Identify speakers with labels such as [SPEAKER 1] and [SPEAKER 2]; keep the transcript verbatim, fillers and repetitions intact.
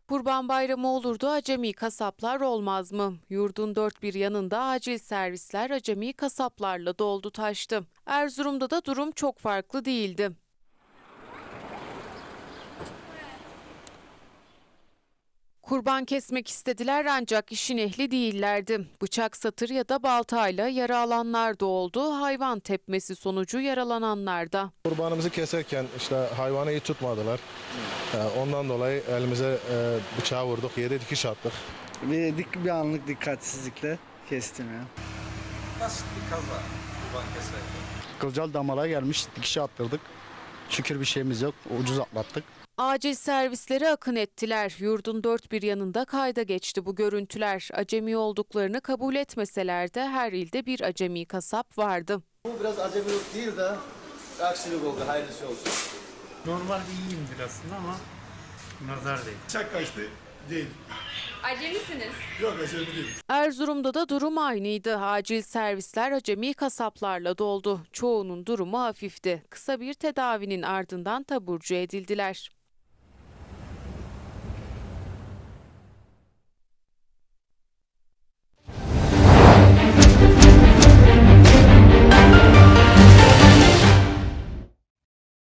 [SPEAKER 1] Kurban Bayramı olurdu, acemi kasaplar olmaz mı? Yurdun dört bir yanında acil servisler acemi kasaplarla doldu taştı. Erzurum'da da durum çok farklı değildi. Kurban kesmek istediler ancak işin ehli değillerdi. Bıçak, satır ya da baltayla yara alanlar da oldu. Hayvan tepmesi sonucu yaralananlar da.
[SPEAKER 2] Kurbanımızı keserken işte hayvanı iyi tutmadılar. Ondan dolayı elimize bıçağı vurduk, yere dikiş attık.
[SPEAKER 3] Bir, dik, bir anlık dikkatsizlikle kestim ya.
[SPEAKER 4] Basit bir kaza kurban keserken.
[SPEAKER 3] Kılcal damara gelmiş, dikişe attırdık. Şükür bir şeyimiz yok, ucuz atlattık.
[SPEAKER 1] Acil servisleri akın ettiler. Yurdun dört bir yanında kayda geçti bu görüntüler. Acemi olduklarını kabul etmeseler de her ilde bir acemi kasap vardı.
[SPEAKER 5] Bu biraz acemilik değil de aksilik oldu, hayırlısı olsun.
[SPEAKER 6] Normalde iyiyimdir aslında ama nazar değil.
[SPEAKER 7] Bıçak kaçtı değil.
[SPEAKER 8] Acemisiniz.
[SPEAKER 7] Yok acemi değil.
[SPEAKER 1] Erzurum'da da durum aynıydı. Acil servisler acemi kasaplarla doldu. Çoğunun durumu hafifti. Kısa bir tedavinin ardından taburcu edildiler.